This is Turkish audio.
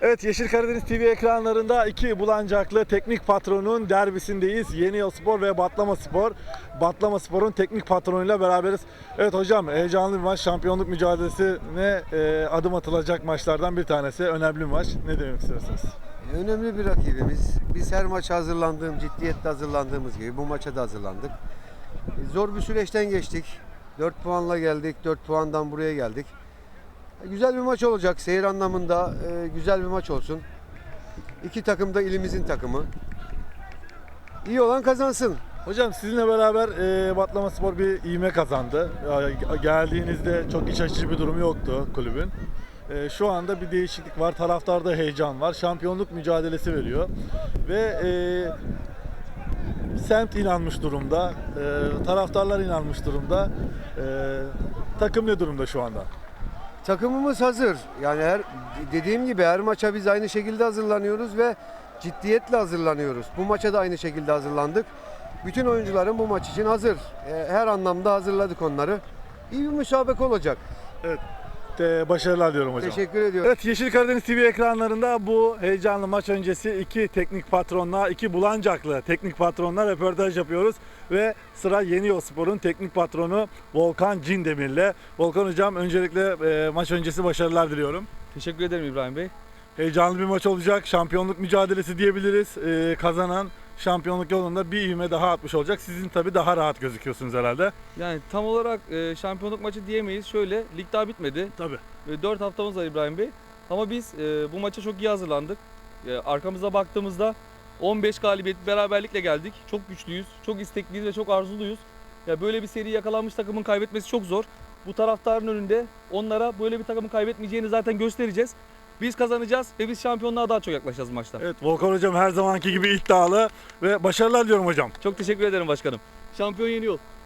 Evet, Yeşil Karadeniz TV ekranlarında iki Bulancaklı teknik patronun derbisindeyiz. Yeniyolspor ve Batlamaspor. Batlamaspor'un teknik patronuyla beraberiz. Evet hocam, heyecanlı bir maç. Şampiyonluk mücadelesine adım atılacak maçlardan bir tanesi. Önemli bir maç. Ne demek istersiniz? Önemli bir rakibimiz. Biz her maça ciddiyetle hazırlandığımız gibi bu maça da hazırlandık. Zor bir süreçten geçtik. 4 puanla geldik, 4 puandan buraya geldik. Güzel bir maç olacak. Seyir anlamında güzel bir maç olsun. İki takım da ilimizin takımı. İyi olan kazansın. Hocam sizinle beraber Batlamaspor bir ivme kazandı. Geldiğinizde çok iç açıcı bir durum yoktu kulübün. Şu anda bir değişiklik var. Taraftarda heyecan var. Şampiyonluk mücadelesi veriyor. Ve semt inanmış durumda. Taraftarlar inanmış durumda. Takım ne durumda şu anda? Takımımız hazır. Yani dediğim gibi her maça biz aynı şekilde hazırlanıyoruz ve ciddiyetle hazırlanıyoruz. Bu maça da aynı şekilde hazırlandık. Bütün oyuncuların bu maç için hazır. Her anlamda hazırladık onları. İyi bir müsabaka olacak. Evet. Başarılar diyorum hocam. Teşekkür ediyorum. Evet, Yeşil Karadeniz TV ekranlarında bu heyecanlı maç öncesi iki teknik patronla, iki Bulancaklı teknik patronla röportaj yapıyoruz. Ve sıra Yeniyolspor'un teknik patronu Volkan Cindemir'le. Volkan hocam, öncelikle maç öncesi başarılar diliyorum. Teşekkür ederim İbrahim Bey. Heyecanlı bir maç olacak. Şampiyonluk mücadelesi diyebiliriz. Kazanan şampiyonluk yolunda bir ivme daha atmış olacak. Sizin tabii daha rahat gözüküyorsunuz herhalde. Yani tam olarak şampiyonluk maçı diyemeyiz. Şöyle, lig daha bitmedi. Tabii. 4 haftamız var İbrahim Bey. Ama biz bu maça çok iyi hazırlandık. Arkamıza baktığımızda 15 galibiyet beraberlikle geldik. Çok güçlüyüz, çok istekliyiz ve çok arzuluyuz. Ya böyle bir seri yakalanmış takımın kaybetmesi çok zor. Bu taraftarın önünde onlara böyle bir takımın kaybetmeyeceğini zaten göstereceğiz. Biz kazanacağız ve biz şampiyonluğa daha çok yaklaşacağız maçta. Evet, Volkan hocam her zamanki gibi iddialı ve başarılar diyorum hocam. Çok teşekkür ederim başkanım. Şampiyon yeniyor.